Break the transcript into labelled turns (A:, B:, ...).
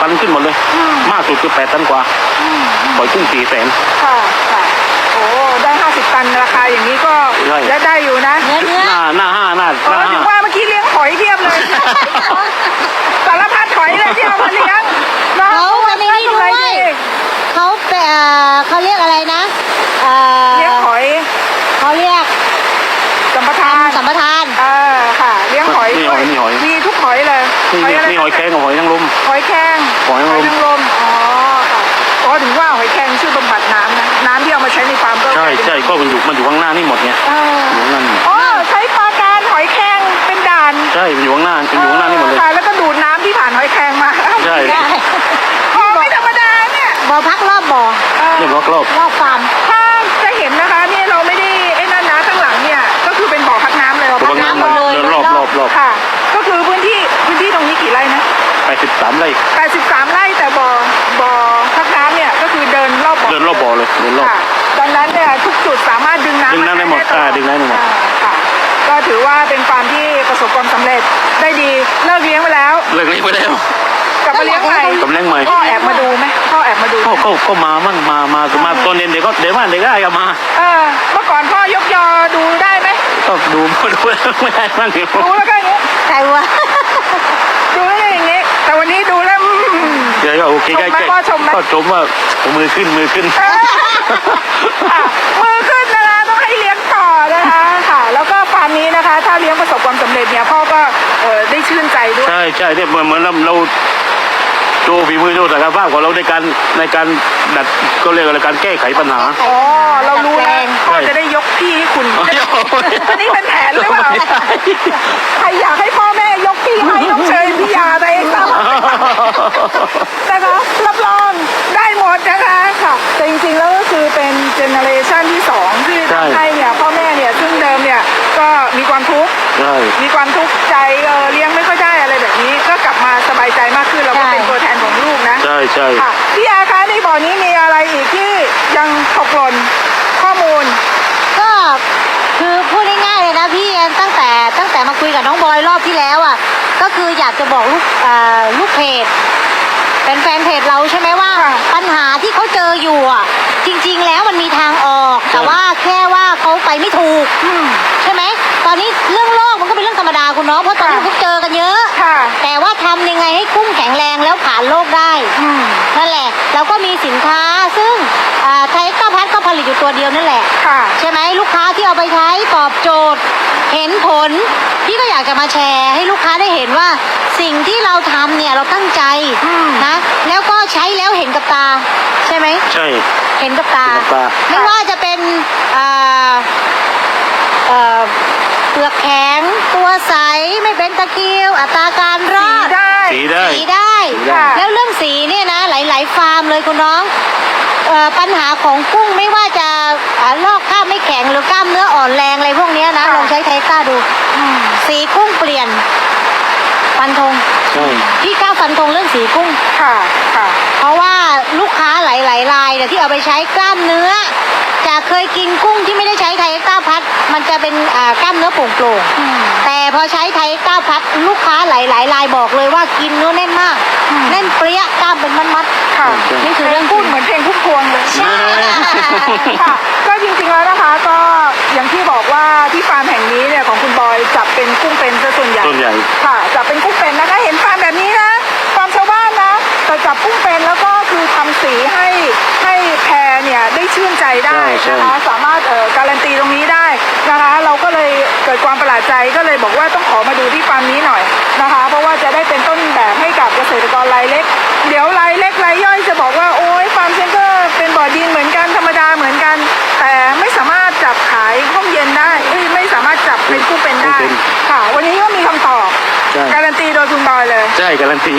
A: ตันขึ้นหมดเลยมากสุดคือ8 ตันกว่าปล่อยกุ้ง4 แสน
B: ค่ะค่ะโอ้ได้50 ตันราคาอย่างนี้ก็ได้อยู่นะ
C: เนื้อ
A: หน้า
B: ถึงว่าเมื่อกี้เลี้ยงหอยเทียบเลยสารพัดหอยเลยที่เอามาเลี้ยง
C: เขาอันนี้ด้วยเขาเรียกอะไรนะ
B: เลี้ยงหอย
C: เขาเรียก
B: สัมปทานค่ะเลี้ยงหอยมีทุกหอยเลย
A: มีหอยแครงกับหอยนางรม
B: หอยแครงอ๋อค่ะอ๋อถึงว่าหอยแครงชื่อบำบัดน้ำนะน้ำที่เอามาใช้ในฟาร์มก็
A: ใช่ก็มันอยู่ข้างหน้านี่หมดไงอยู่ข้างหน้า
B: อ๋อใช้ปลาการหอยแครงเป็นด่าน
A: ใช่มันอยู่ข้างหน้านี่หมดเลย
B: แล้วก็ดูดน้ำที่ผ่านหอยแครงมา
A: ใช่
B: ไม่ธรรมดาเนี่ย
C: บ่อพักรอบบ่อ
A: เนี่ยร
C: อบฟาร์ม
B: ถ้าจะเห็นนะคะนี่เราไม่ได้ไอ้นั่นนะข้างหลังเนี่ยก็คือเป็นบ่อพักน้ำเลย
A: พักน้ำเลยรอบ
B: ค่ะก็คือพื้นที่ตรงนี้กี่ไร่นะ
A: 83 ไร่
B: 83 ไร่แต่บ่อพักน้ำเนี่ยก็คือเดินรอบบ่อ
A: เลย
B: ดังนั้นเนี่ยทุกจุดสามารถดึงน้ำ
A: ได้หมดดึงได้หมด
B: ค่ะก็ถือว่าเป็นฟาร์มที่ประสบความสำเร็จได้ดีเลิกเลี้ยงไปแล้วกลับมาเลี้ยงใหม่พ่อแอบมาดูไหมพ่อแอบมาดู
A: ก็มามั่งมาตอนเย็นเด็กได้ก็มา
B: เมื่อก่อนพ่อยกยอดูได้ไหม
A: ก็ดูไม่ได้บ้าง
B: ดูแล้วก็อย่างนี้
C: ใครวะ
B: ดูแล้วอย่างนี้แต่วันนี้ดูแล้ว
A: เดี๋ยวก็โอเคก็ชมว่ามือขึ้นมือขึ้น
B: นะคะต้องให้เลี้ยงต่อนะคะค่ะแล้วก็ฟาร์มนี้นะคะถ้าเลี้ยงประสบความสำเร็จเนี่ยพ่อก็ได้ชื่นใจด้วย
A: ใช่เนี่ยเหมือนเราโชว์ฝีมือโชว์ศักยภาพของเราในการดัดก็เรียกอะไรการแก้ไขปัญหา
B: เรารู้แล้วพ่อจะได้ยกพี่ให้คุณอันนี้เป็นแผนหรือเปล่าใครอยากให้พ่อแม่ยกพี่ให้ต้องเชิญพี่ยาไปนะคะรับรองได้หมดนะคะค่ะแต่จริงๆแล้วก็คือเป็นเจเนอเรชันที่2ที่ทำให้เนี่ยพ่อแม่เนี่ยซึ่งเดิมเนี่ยก็มีความทุกข์ใจเลี้ยงไม่ค่อยได้อะไรแบบนี้ก็กลับมาสบายใจมากขึ้นเราก็เป็นตัวแทนของลูกนะ
A: ใช่
B: ค่ะพี่ยาคะในบ่อนี้มีอะไรอีกที่ยังตกหล่นข้อมูล
C: ก็คือพูดง่ายๆเลยนะพี่ตั้งแต่มาคุยกับน้องบอยรอบที่แล้วอ่ะก็คืออยากจะบอกลูกเพจเป็นแฟนเพจเราใช่ไหมว่าปัญหาที่เขาเจออยู่อ่ะจริงๆแล้วมันมีทางออกแต่ว่าแค่ว่าเขาไปไม่ถูกใช่ไหมตอนนี้เรื่องโรคมันก็เป็นเรื่องธรรมดาคุณเนาะเพราะตอนนี้พวกเจอกันเยอะแต่ว่าทำยังไงให้กุ้งแข็งแรงแล้วผ่านโรคได้นั่นแหละเราก็มีสินค้าซึ่งไทยก้าพัดก็ผลิตอยู่ตัวเดียวนั่นแหละใช่ไหมลูกค้าที่เอาไปใช้ตอบโจทย์เห็นผลพี่ก็อยากจะมาแชร์ให้ลูกค้าได้เห็นว่าสิ่งที่เราทำเนี่ยเราตั้งใจนะแล้วก็ใช้แล้วเห็นกับตาใช่ไหม
A: ใช่
C: เห็นกับตาไม่ว่าจะเป็นเปลือกแข็งตัวใสไม่เป็นตะคริวอัตราการรอด
A: สีได้
C: แล้วเรื่องสีเนี่ยนะหลายๆฟาร์มเลยคุณน้องปัญหาของกุ้งไม่ว่าจะลอกกล้ามไม่แข็งหรือกล้ามเนื้ออ่อนแรงอะไรพวกนี้นะลองใช้ไทก้าดูสีกุ้งเปลี่ยนฟันธงพี่กล้าฟันธงเรื่องสีกุ้งเพราะว่าลูกค้าหลายๆรายที่เอาไปใช้กล้ามเนื้อจะเคยกินกุ้งที่ไม่ได้ใช้ไทก้าพัดมันจะเป็นกล้ามเนื้อโปร่งๆแต่พอใช้ไทก้าพัดลูกค้าหลายๆรายบอกเลยว่ากินเนื้อแน่นมากแน่นเปรี้ยกล้ามเป็นมัดๆนี่คือเรื่อง
B: พูดเหมือนเพลงพุ่มพวงเลยใช่ค่ะก็จริงๆแล้วนะคะก็อย่างที่บอกว่าที่ฟาร์มแห่งนี้เนี่ยของคุณบอยจับเป็นกุ้งเป็นซะส่วนใหญ่ค่ะจับเป็นกุ้งเป็นนะคะเห็นฟาร์มแบบนี้นะฟาร์มชาวบ้านนะแต่จับกุ้งเป็นแล้วก็คือทำสีให้แพรเนี่ยได้ชื่นใจได้นะคะสามารถการันตีตรงนี้ได้นะคะเราก็เลยเกิดความประหลาดใจก็เลยบอกว่าต้องขอมาดูที่ฟาร์มนี้หน่อยนะคะเพราะว่าจะได้เป็นต้นแบบให้กับเกษตรกรรายเล็กเดี๋ยวรายเล็กรายย่อยจะบอกว่าโอ้ยฟาร์มเซ็นเตอร์เป็นบ่อดินเหมือนกันธรรมดาเหมือนกันแต่ไม่สามารถจับขายห้องเย็นได้ไม่สามารถจับเป็นกุ้งเป็นได้ค่ะวันนี้ก็มีคำตอบการันตีโดยคุณบอยเลย
A: ใช่การันตี